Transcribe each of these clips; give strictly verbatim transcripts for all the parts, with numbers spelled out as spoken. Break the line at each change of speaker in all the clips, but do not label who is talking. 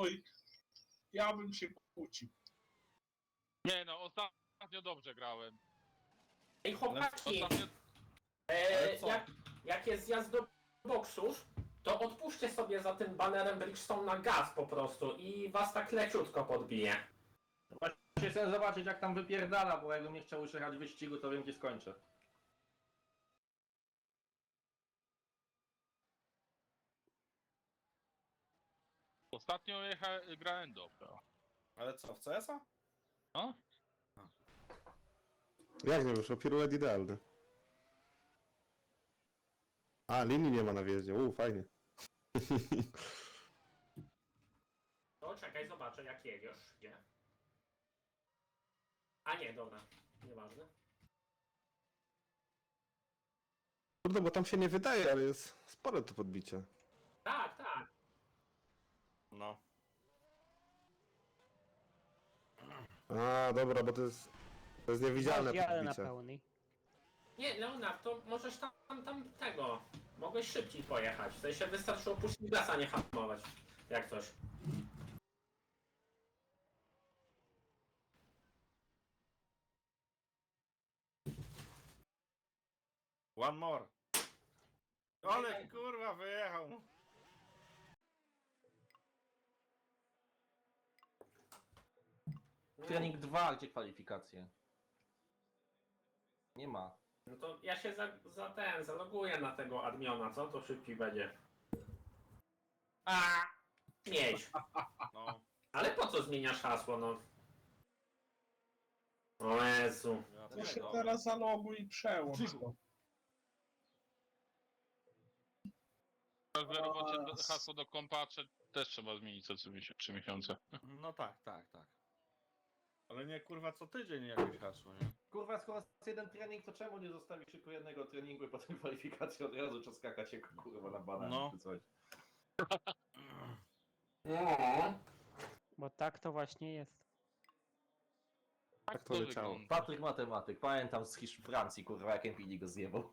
Oj, ja bym się kłócił.
Nie no, ostatnio dobrze grałem.
Ej, chłopaki,
Ostatnio...
e,
co?
jak, jak jest zjazd do boksów, to odpuśćcie sobie za tym banerem Bridgestone na gaz po prostu i was tak leciutko podbije.
Właśnie chcę zobaczyć jak tam wypierdala, bo jakbym nie chciał już jechać w wyścigu, to wiem gdzie skończę.
Ostatnio jecha... grałem dobrze.
Ale co, w C S a?
No?
Jak nie wyszło? Piruet idealny. A, linii nie ma na wjeździe. Uuu, fajnie.
To czekaj, zobaczę jak jedziesz. Gdzie? A nie, dobra. Nieważne.
Kurde, bo tam się nie wydaje, ale jest spore to podbicie.
Tak, tak.
No.
A, dobra, bo to jest... To jest niewidzialne
Jadę na
podbicie.
pełnej.
Nie, Leonard, to możesz tam, tam tego. Mogłeś szybciej pojechać. W sensie wystarczyło puścić gaz, a nie hamować. Jak coś.
One more. Ale kurwa wyjechał. Trening dwa, gdzie kwalifikacje? Nie ma.
No to ja się za, za ten, zaloguję na tego admiona, co? To szybciej będzie. A, mieć.
No.
Ale po co zmieniasz hasło, no? O Jezu.
To się teraz zaloguj i przełącz to.
W robocie do- hasło do kompa trze- też trzeba zmienić co trzy miesiące.
No tak, tak, tak. Ale nie kurwa co tydzień jakieś hasło, nie?
Kurwa, skoro jest jeden trening, to czemu nie zostawisz tylko jednego treningu i potem kwalifikacji od razu trzeba skakać się kurwa na banana
No.
czy coś.
No.
Bo tak to właśnie jest.
Tak to leciało.
wygląda.
Patryk matematyk, pamiętam z Hisz Francji, kurwa, jak M P D go zjebał.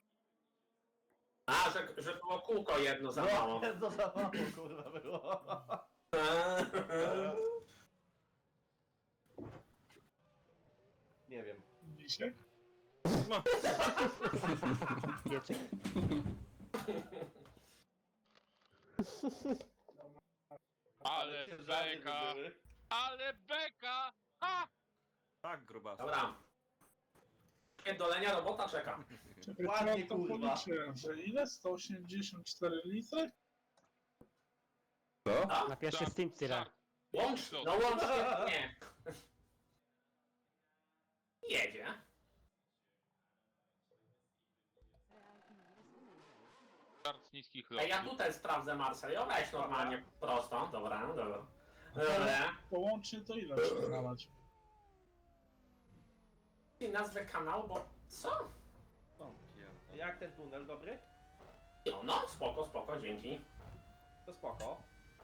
A, że, że było kółko jedno za mało.
No za mało, kurwa, było. Nie wiem.
Dzisiaj?
Wiecie.
Ale
ciężary
beka!
były.
Ale beka! Ha!
Tak, grubas.
Dobra. Pierdolenia robota czeka.
Czekaj,
Ładnie,
to ja to
kurwa.
policzyłem, że ile? sto osiemdziesiąt cztery litry?
Co?
A?
Na pierwszy
Tak,
Steam tyle.
tak.
Łącz, no łącznie, nie. Jedzie.
Start z niskich
A ja
lotów.
tutaj sprawdzę Marseille. Weź normalnie prosto. Dobra, no dobra. Dobra.
Połącznie to ile trzeba nalać?
I nazwę kanału, bo co?
O, pierdolę.
Jak ten tunel, dobry?
No, no, spoko, spoko, dzięki.
To spoko.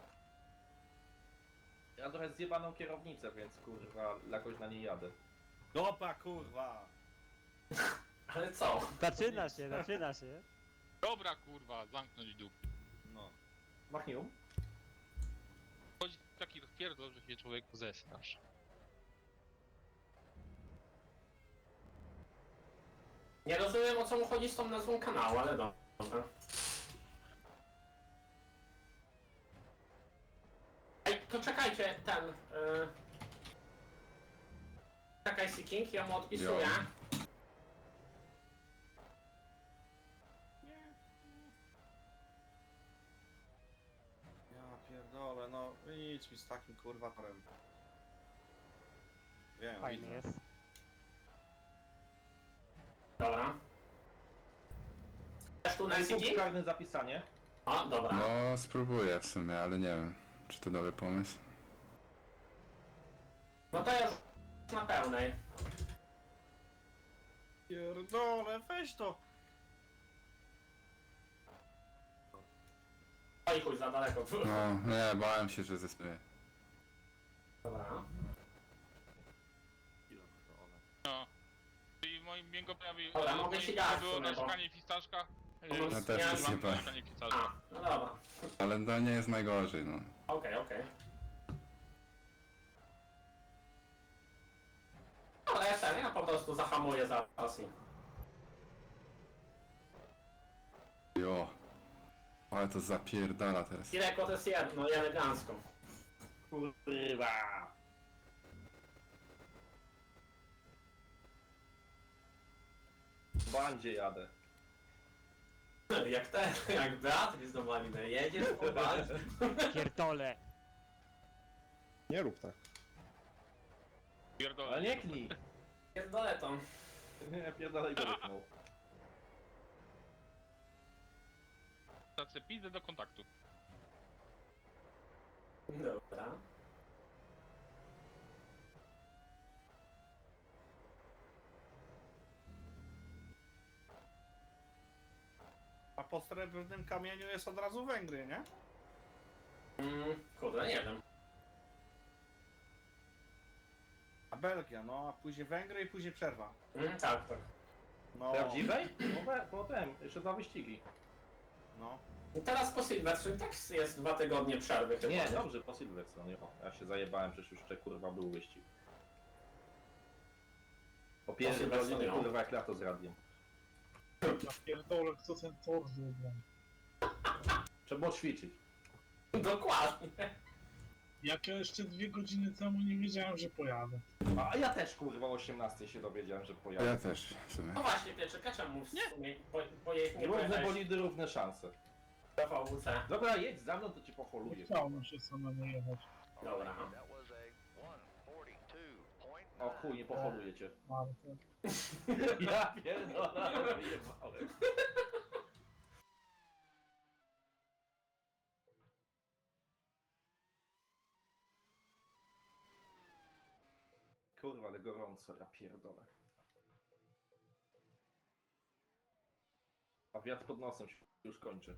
Ja mam trochę zjebaną kierownicę, więc kurwa, jakoś na niej jadę.
Dopa kurwa!
Ale co?
Zaczyna się, zaczyna się.
Dobra kurwa, zamknąć dół.
No.
Machnium?
Chodzi taki rozpierdol, że się człowieku zesnasz.
Nie rozumiem, o co mu chodzi z tą nazwą kanału, ale dobra. Ej, to czekajcie, ten... Yy... Czekaj, Seeking, ja mu odpisuję.
Ja pierdolę, no idź mi z takim kurwa torem. Wiem,
Fajny
widzę.
jest.
Dobra. Też tu na
Punkt
Seeking?
karny zapisanie.
O, dobra.
No, spróbuję w sumie, ale nie wiem, czy to dobry pomysł.
No to już na pełnej.
Pierdolę, weź to!
Oj chuj, za daleko.
No, nie, bałem się, że zespie.
Dobra.
Pierdolę.
No. I w moim biegu prawie
Dobra, mogę się dać w
było
sumie, bo-
narzekanie fistaszka.
No,
Yy,
no,
też
ja
jest
mam
chyba.
narzekanie fistaszka.
A, no dobra.
Ale to nie jest najgorzej, no.
Okej, okej. dobra, ja ten, ja po prostu zahamuję zaraz i...
Jo. Ale to zapierdala teraz.
Kileko to jest jedno i elegancko.
Kurwa! W bandzie jadę.
Jak ten, jak Beatrice do Maliny, jedziesz po bandzie.
Pierdolę.
Nie rób tak.
Pierdolę.
Ale nie knij!
Pierdolę to.
Nie, pierdolej go wypnął.
Stację pizdę do kontaktu.
Dobra.
A po srebrnym kamieniu jest od razu Węgry, nie?
Mm, kurde, nie wiem.
A Belgia, no a później Węgry i później przerwa.
Mm, tak, tak.
No,
Prawdziwej? Potem, potem, jeszcze dwa wyścigi.
no.
I teraz po Sylwestrze tak jest dwa tygodnie przerwy chyba.
Nie, dobrze, po Silverstone. O, ja się zajebałem, przecież już jeszcze kurwa był wyścig. Po pierwszym
Silverstone,
godzinie
no.
kurwa jak lato z radiem.
Ja pierdolę, kto ten tor zrobił.
Trzeba było ćwiczyć.
Dokładnie.
Jak ja jeszcze dwie godziny temu nie wiedziałem, że pojadę.
A ja też kurwa o osiemnastej się dowiedziałem, że
Ja
pojadę.
też w sumie.
No właśnie, Pieczyka, czemu w sumie po, po, nie
Równe
pojechałeś
bolidy, równe szanse.
do V W C?
Dobra, jedź za mną, to cię
Nie
poholuję.
chciałem się samemu jechać.
Dobra.
O chuj, nie poholuję cię.
Marta.
Ja pierdolę, ale wyjebałem. Kurwa, ale gorąco, ja pierdolę. A wiatr pod nosem się już kończy.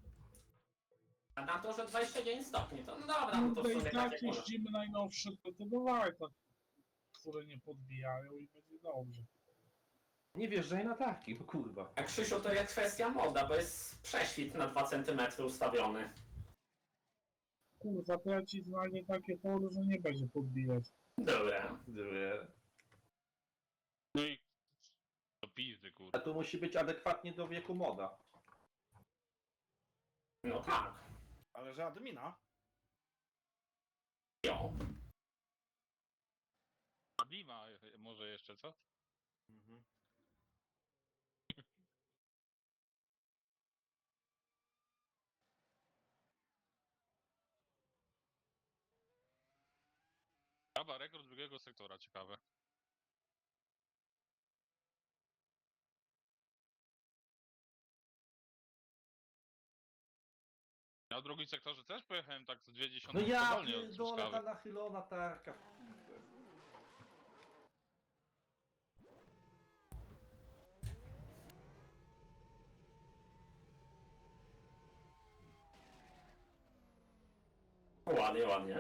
A na to, że dwadzieścia dziewięć stopni, to no dobra, no to w
Tutaj
sumie
i
tak
tak
jak może.
jeździmy najnowsze, to to dawaj tak, które nie podbijają i będzie dobrze.
Nie wjeżdżaj na tarki, bo kurwa.
A Krzysiu, to jest kwestia moda, bo jest prześwit na dwa centymetry ustawiony.
Kurwa, to ja ci znajdę takie tory, że nie będzie podbijać.
Dobra.
Dwie.
No i... Do pizdy,
A
kurde.
tu musi być adekwatnie do wieku moda.
No tak.
Ale że admina?
Jo.
A Dima może jeszcze, co?
Mhm.
Chyba rekord drugiego sektora, ciekawe. Na drugim sektorze też pojechałem tak z dwie dziesiąte
No ja
powolnie od
pierdolę, ta
Truskawy.
nachylona tarka.
Ładnie, ładnie.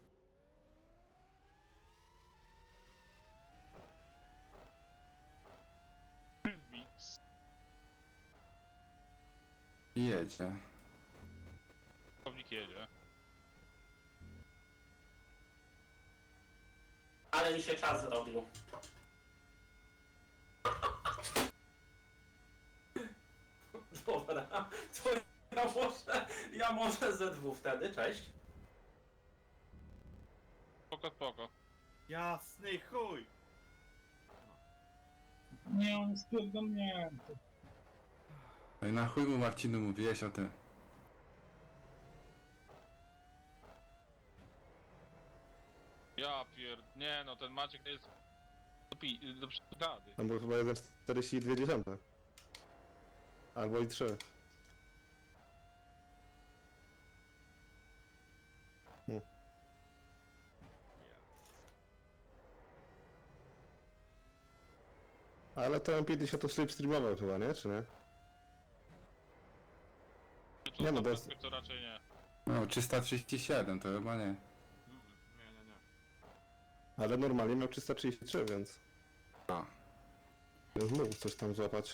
Mix.
I jedzie.
Kownik jedzie.
Ale mi się czas zrobił. Dobra, to ja może, ja może ze dwóch wtedy, cześć.
Spoko, spoko.
Jasny chuj!
Nie, on jest pierdolnięty.
No i na chuj mu Marcinu mówiłeś o tym.
Ja pierd... Nie no, ten Maciek to jest... Do, pi... do przygady.
Tam był chyba jeden czterdzieści dwa. Albo i trzy. Hmm. Ale to M pięćdziesiąt to slipstreamował chyba, nie? Czy nie?
To,
Nie, no
to,
to jest-
to raczej nie.
No, trzysta trzydzieści siedem to chyba nie.
Nie, nie, nie.
Ale normalnie miał trzysta trzydzieści trzy, więc...
A.
Więc mógł coś tam złapać.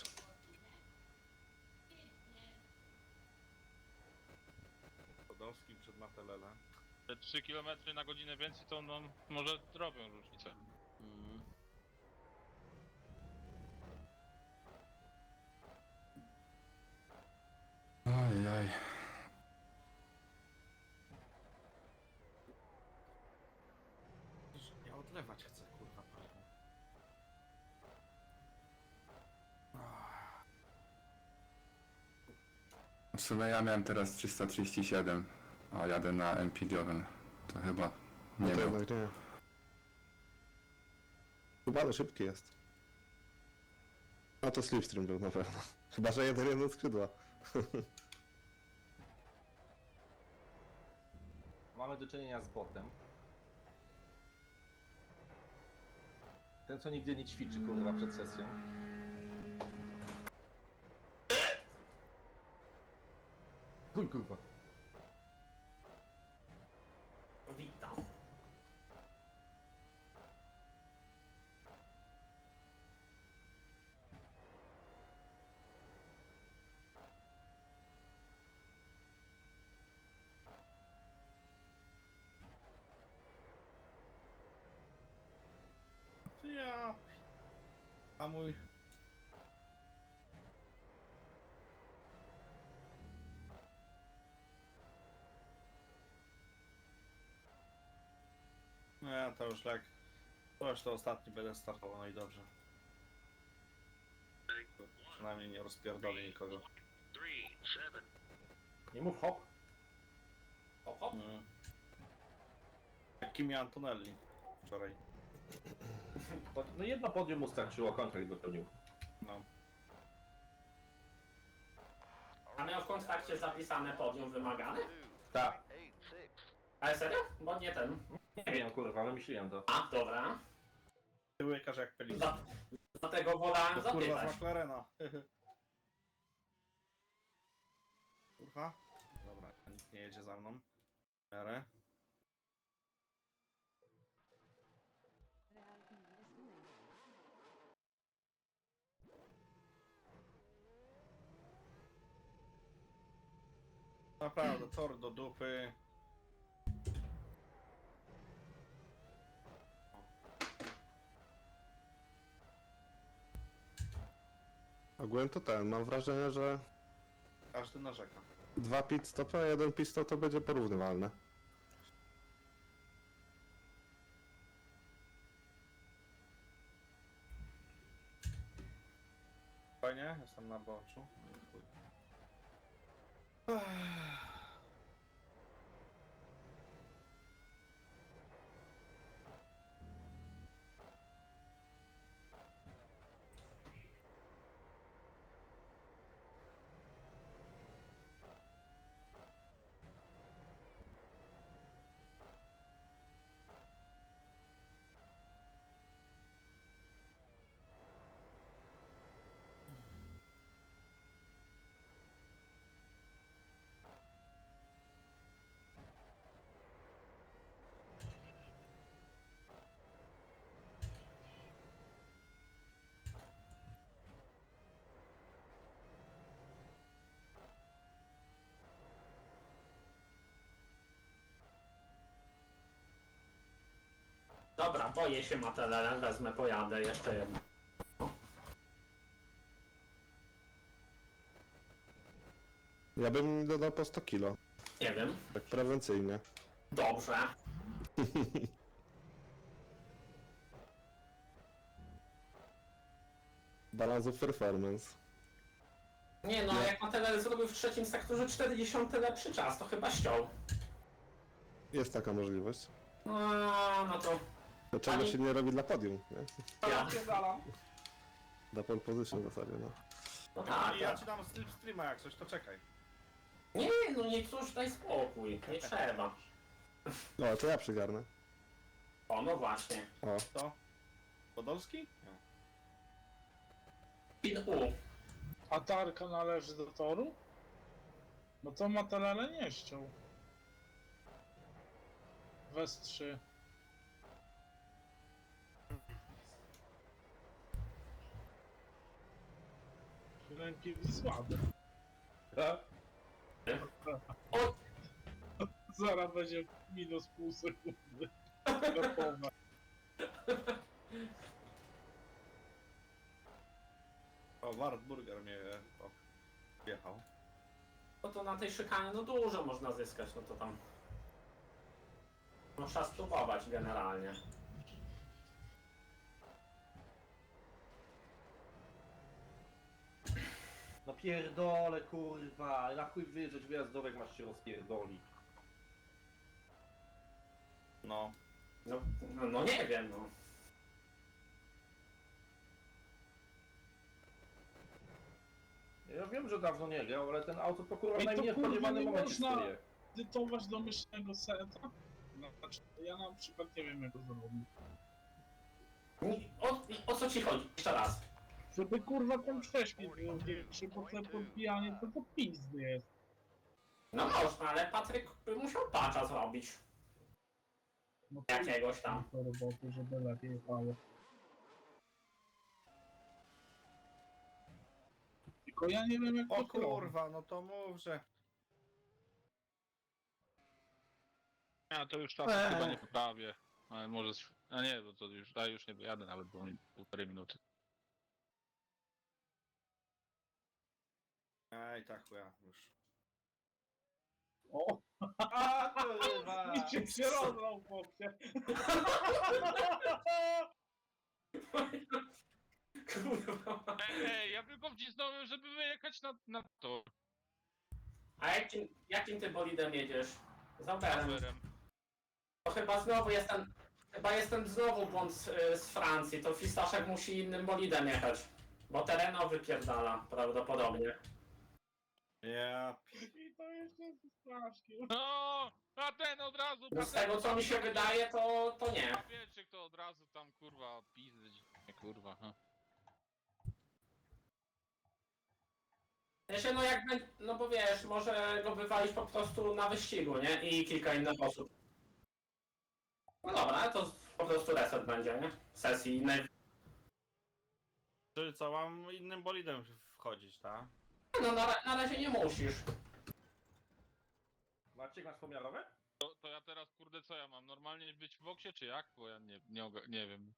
Podolski przed Matelele.
Te trzy kilometry na godzinę więcej to no, może robią różnicę.
W sumie ja miałem teraz trzysta trzydzieści siedem, a jadę na M P dziewięć. To chyba
No
nie
to
wiem.
jednak nie. Chyba ale szybki jest. No to Slipstream był na pewno. Chyba, że jeden jeden skrzydła.
Mamy do czynienia z botem. Ten, co nigdy nie ćwiczy, kurwa, przed sesją. Chuj, kurwa.
Witam.
Ja. A mój. No ja to już tak. To już to ostatni będę startował, no i dobrze. Przynajmniej nie rozpierdolę nikogo.
Nie mów hop.
Hop, hop.
Mm. Jak Kimi Antonelli wczoraj.
To, no jedno podium mu starczyło, kontrakt dopełnił.
No.
A miał w kontrakcie zapisane podium wymagane?
Tak.
Ale serio? Bo nie ten.
Nie wiem, kurwa, ale myślałem to.
A, dobra.
Ty łykasz jak pelikan.
Dla- Dlatego wolałem
To kurwa z
zapytać.
McLarena. Kurwa. Dobra, nikt nie jedzie za mną. W miarę. Naprawdę, tor do dupy.
Ogółem to ten, mam wrażenie, że
Każdy narzeka.
dwa pit stopy, a jeden pit stop to będzie porównywalne.
Fajnie, jestem na boczu.
Dobra, boję się Matelele, wezmę, pojadę jeszcze jedno.
Ja bym dodał po sto kilo,
Nie wiem.
tak prewencyjnie.
Dobrze.
Balance of performance.
Nie no,
Ja-
jak Matelele zrobił w trzecim sektorze czterdzieści lepszy czas, to chyba ściął.
Jest taka możliwość.
No, no to...
Dlaczego
Ani-
się nie robi dla podium, nie?
Ja,
Dla pole position w zasadzie, no.
no tak,
ja
tak.
ci dam slipstreama jak coś, to czekaj.
Nie, no nie cóż, daj spokój, nie trzeba.
No, to ja przygarnę.
O, no właśnie.
O,
To? Podolski? Nie.
Pin U.
A tarka należy do toru? No to Matelele nie ściął. W S trzy. Ręki słabe.
Tak?
O,
Zaraz będzie minus pół sekundy. Gotowe.
O, Wartburger mnie o, wjechał.
no to na tej szykanie no dużo można zyskać, no to tam... No trzeba spróbować generalnie.
No pierdolę, kurwa. Na chuj wyjeżdżać wyjazdówek, masz się rozpierdolić.
No.
No, no, no nie wiem, no.
Ja wiem, że dawno nie grał, ale ten auto to kurwa w
Ej, to
najmniej
kurwa
spodziewanym
nie
momencie
można-
stoi.
Edytować domyślnego seta? No, znaczy, ja na przykład nie wiem jak to zrobić.
Ni- O, o co ci chodzi? Jeszcze raz.
Żeby kurwa ten prześpiew był większy, bo to podbijanie to to pizdy jest.
No można, ale Patryk by musiał patcha zrobić.
No
Jakiegoś tam.
to roboty, żeby lepiej jechało. Tylko ja nie wiem jak
O
to robić.
kurwa, no to mów, że...
Ja to już czasu
Eee.
chyba nie poprawię. Ale może... z- A nie, bo to już, ja już nie dojadę nawet, bo mi półtorej minuty.
Ej, tak chuja, już.
O,
A kurwa!
mi się się rozlał chłopie.
Kurwa.
Ej, ej, ja tylko wcisnąłem, żeby wyjechać na, na to.
A jakim, jakim ty bolidem jedziesz? Z Auberem.
Rowerem.
To chyba znowu jestem... Chyba jestem znowu błąd z, y, z Francji. To Fistaszek musi innym bolidem jechać. Bo tereno wypierdala prawdopodobnie.
Ja...
I to jeszcze jest strasznie.
No, a ten od razu...
No z tego co mi się wydaje, to, to nie.
Wiecie, kto od razu tam kurwa pizdy, nie kurwa, ha.
Ja się no jakby, no bo wiesz, może go wywalić po prostu na wyścigu, nie? I kilka innych osób. No dobra, to po prostu reset będzie, nie? Sesji innej.
Czyli co, mam innym bolidem wchodzić, tak?
No na, ra- na razie nie musisz.
Maciek, masz pomiarowe?
To, to ja teraz kurde co ja mam? Normalnie być w boksie czy jak? Bo ja nie, nie, oga- nie wiem.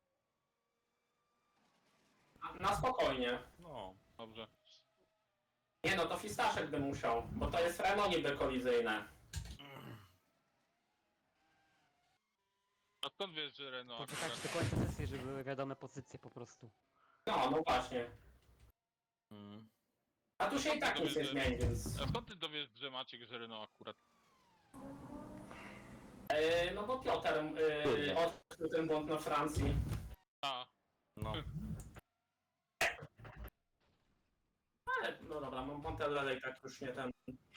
Na, na spokojnie.
No.
Dobrze.
Nie no, to Fistaszek by musiał, bo to jest Renault niby kolizyjne.
A skąd wiesz, że Renault
Poczekać
akurat?
do końca sesji, żeby były wiadome pozycje po prostu.
No, no właśnie.
Mm.
A tu się i tak nic nie zmieni, więc...
A skąd ty dowiesz, że Maciek, że Renault akurat?
Yy, no bo Piotr yy, odkrył ten błąd na Francji.
A,
No.
Ale no dobra, Montella i tak już nie ten...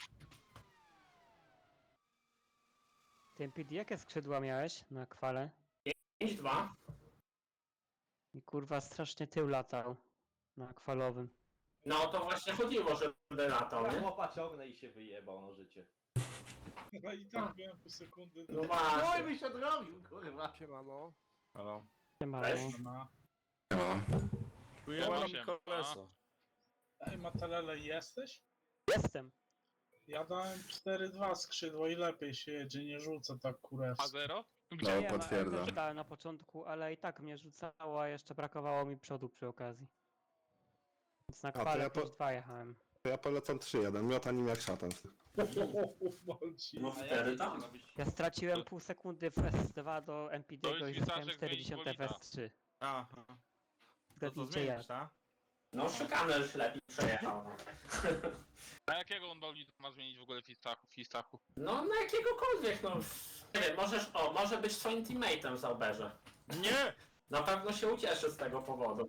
Ty M P D jakie skrzydła miałeś na kwale?
pięć dwa.
I kurwa strasznie tył latał na kwalowym.
No to właśnie chodziło, żeby latał,
Ja
nie?
chłopa ciągnę i się wyjebał na życie.
No i tak byłem pół sekundy.
No
Oj,
właśnie.
mi się odrobił, kurwa.
Siemano.
Halo.
Siemano.
Cześć.
No.
No.
Ujebał mi
się.
koleso.
Ej, Matelele, jesteś?
Jestem.
Ja dałem cztery dwa skrzydło i lepiej się jedzie, nie rzucę tak
A
kurewsko.
zero?
No,
Wiem, ale
potwierdzam.
też dałem na początku, ale i tak mnie rzucało, a jeszcze brakowało mi przodu przy okazji. Więc na
to
kwale
ja po-
plus dwa jechałem.
To ja polecam trzy jeden, miota nim jak szatan.
Walci.
No
A
wtedy
jak
tam.
to robić?
Ja straciłem pół sekundy w S dwa do M P D
To już
i zyskałem
Witaszek
czterdzieści
zmienić
w
bolida.
S trzy.
Aha. To co
Zgadnijcie jak.
zmienisz, tak?
No szykanę już lepiej przejechał. No.
A jakiego on bolid ma zmienić w ogóle w Fistachu? w Fistachu?
No na jakiegokolwiek, no. Nie wiem, możesz, o, może być swoim teammate'em w Zauberze.
Nie!
Na pewno się ucieszy z tego powodu.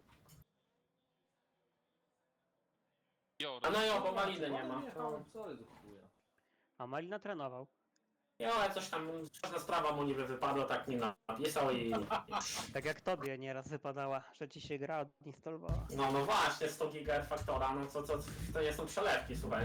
Jo,
A no jo, bo maliny nie ma.
Jechałem, co jest do chuja.
A Malina trenował.
Jo, ale coś tam, ważna sprawa mu niby wypadła, tak nim napisał i...
Tak jak tobie nieraz wypadała, że ci się gra odinstalowała.
No, no właśnie, sto giga R Factora, no co, co, to nie są przelewki, słuchaj.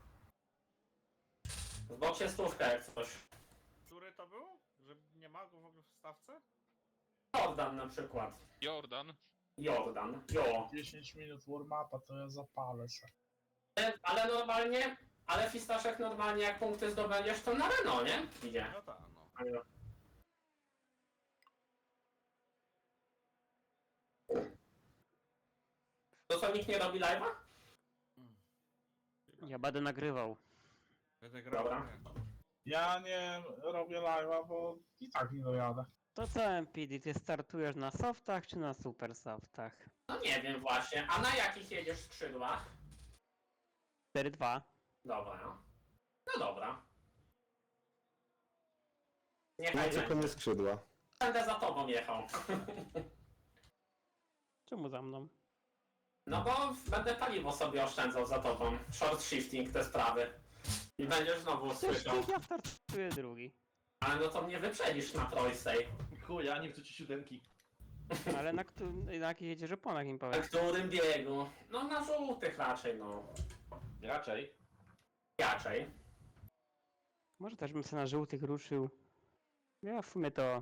W boksie stówka jak coś.
Który to był? Że nie ma go w ogóle w stawce?
Jordan na przykład.
Jordan.
Jordan, jo.
dziesięć minut warm-upa to ja zapalę se.
Ale, ale normalnie, ale Fistaszek normalnie jak punkty zdobędziesz, to na Renault, nie? Idzie.
No tak, no.
To co, nikt nie robi live'a?
Ja będę nagrywał.
Będę grał.
Dobra.
nie.
Ja nie robię live'a, bo i tak nie dojadę.
To co M P D, ty startujesz na softach czy na super softach?
No nie wiem właśnie, a na jakich jedziesz skrzydłach?
cztery dwa.
Dobra. No dobra.
No
Niechaj
tylko
będzie.
nie skrzydła.
Będę za tobą jechał.
Czemu za mną?
No bo będę paliwo sobie oszczędzał za tobą. Short shifting, te sprawy. I będziesz znowu
Przecież
słyszał.
ja startuję drugi.
Ale no to mnie wyprzedzisz na prostej.
Chuj, ja nie chcę ci siódemki.
Ale na, któ- na jakich jedziesz oponach im
Na
powiem.
którym biegu? No na żółtych raczej, no.
Raczej.
Raczej.
Może też bym sobie na żółtych ruszył. Ja w sumie to...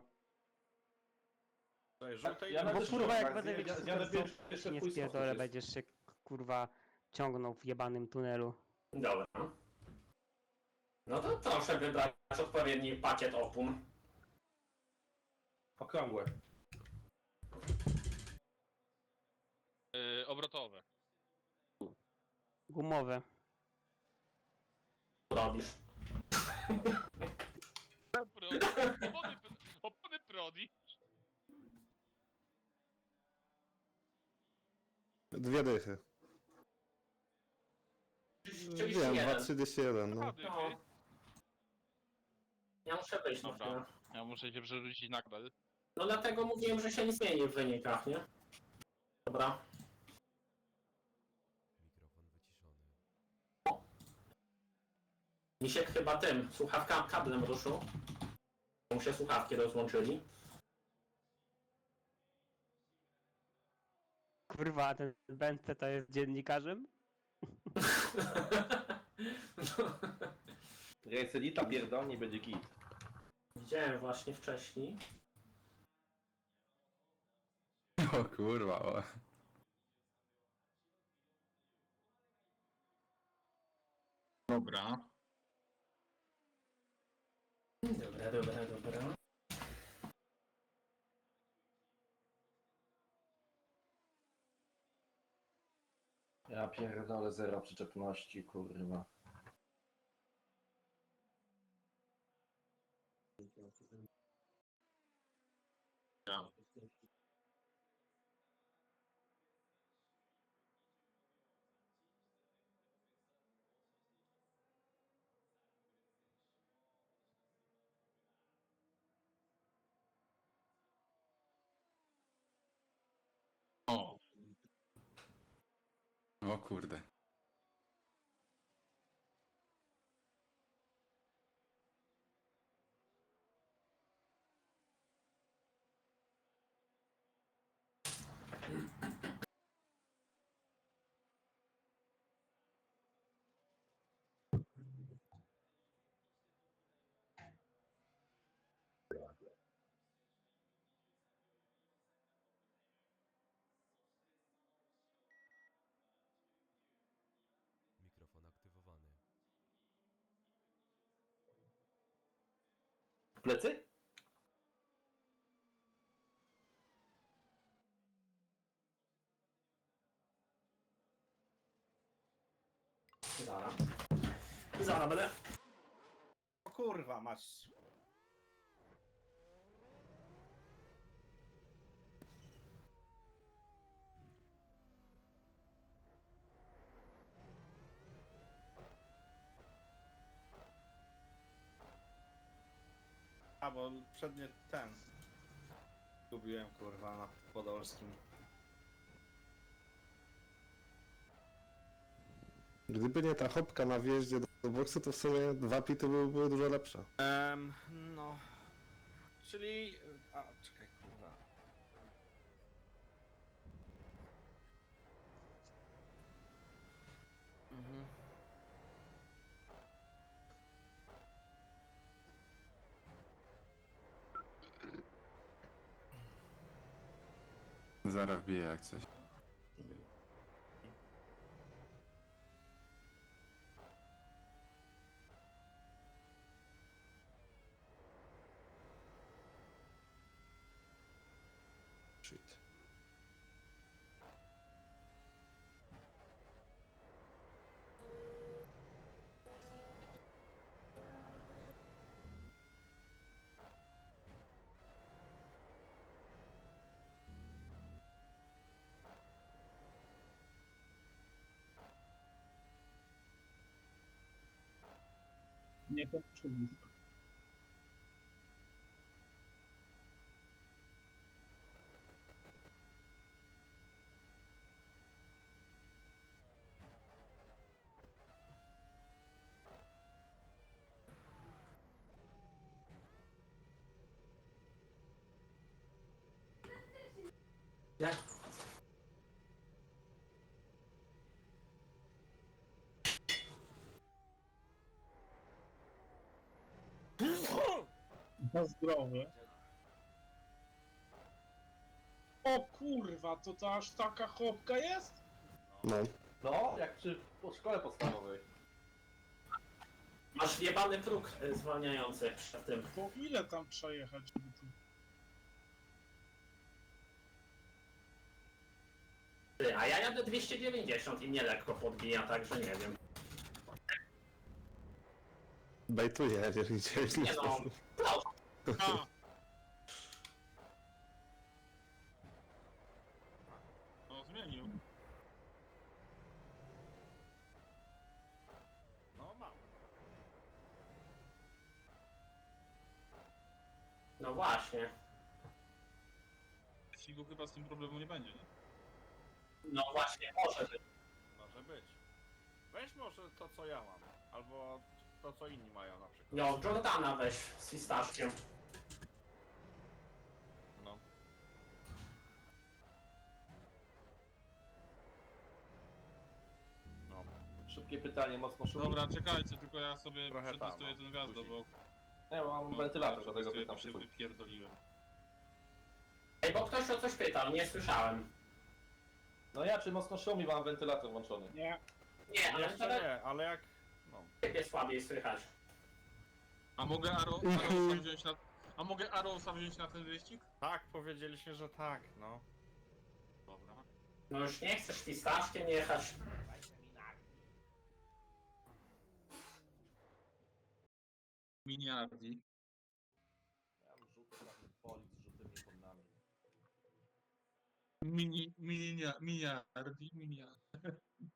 Tutaj żółtej
Ja
ja
na
Bo
też
kurwa jak
tak,
będę
zje-
mieć
ja-
super
jadę
stop,
pierwszy- jeszcze
nie
twój
spierdolę,
stop
będziesz się kurwa ciągnął w jebanym tunelu.
Dobra. No to proszę wybrać odpowiedni pakiet opon.
Okrągłe.
Yy, obrotowe.
Gumowe.
Robisz.
Prodi. Opony, opony Prodi.
Dwie dychy.
trzydzieści
Wiem,
jeden.
dwa trzydzieści jeden, no.
Prodi,
No.
ty.
Ja muszę wyjść na
Dobra.
chwilę.
Ja muszę się przerzucić na kbel.
No dlatego mówiłem, że się nie zmieni w wynikach, nie? Dobra. Misiek chyba tym, słuchawka kablem ruszył. Mu się słuchawki rozłączyli.
Kurwa, a ten Bente to jest dziennikarzem?
Reselita pierdolnie będzie kit.
Widziałem właśnie wcześniej.
O kurwa, o.
Dobra.
Dobra, dobra, dobra.
Ja pierdolę zero przyczepności, kurwa.
Ja. O,
O kurde.
Mikrofon aktywowany.
Plecy?
Zaraz. Zaraz będę.
O kurwa, masz. A, bo przednie ten. Gubiłem kurwa na Podolskim.
Gdyby nie ta hopka na wjeździe do, do boksu, to w sumie dwa pity były, były dużo lepsze.
Um, no. Czyli. A, czekaj, kurwa. Mhm.
Zaraz wbiję jak coś.
Shit.
Nie to przyjdzie.
Jak?
Na zdrowie. O kurwa, to to aż taka chopka jest?
No.
No, jak przy po szkole podstawowej.
Masz jebany próg y, zwalniający przed tym.
To ile tam przejechać? żeby tu-
Ty, a ja jadę dwieście dziewięćdziesiąt i mnie lekko podbija, także nie wiem.
Bejtuję, jeżeli cię
Nie no, proszę.
A! No zmienił.
No mam.
No właśnie.
Jeśli chyba z tym problemu nie będzie, nie?
No właśnie, może być.
Może być. Weź może to co ja mam. Albo to co inni mają na przykład.
No, Jordana weź z fistaszkiem.
No. No.
Szybkie pytanie, mocno szybkie.
Dobra, czekajcie, tylko ja sobie
Trochę tam,
przetestuję
no.
ten gwiazdo, bo...
Nie, mam
bo-
wentylator,
bo
dlatego
przetestuję,
pytam
to się
przyszłość.
wypierdoliłem.
Ej, bo ktoś o coś pytał, nie słyszałem.
No ja, czy mocno szumi mam wentylator włączony?
Nie.
Nie, ale
Jeszcze
nawet
nie, ale jak... No.
ciebie słabiej słychać.
A mogę Aro- Arrowsa wziąć na... A mogę Arrowsa wziąć na ten wyścig?
Tak, powiedzieliśmy, że tak, no.
Dobra.
No już nie chcesz fistaszkiem jechać.
Miniardi.
Ja mam żółty prawy poli z żółtymi podnami.
Mini... Minia... Miniardi... Miniardi.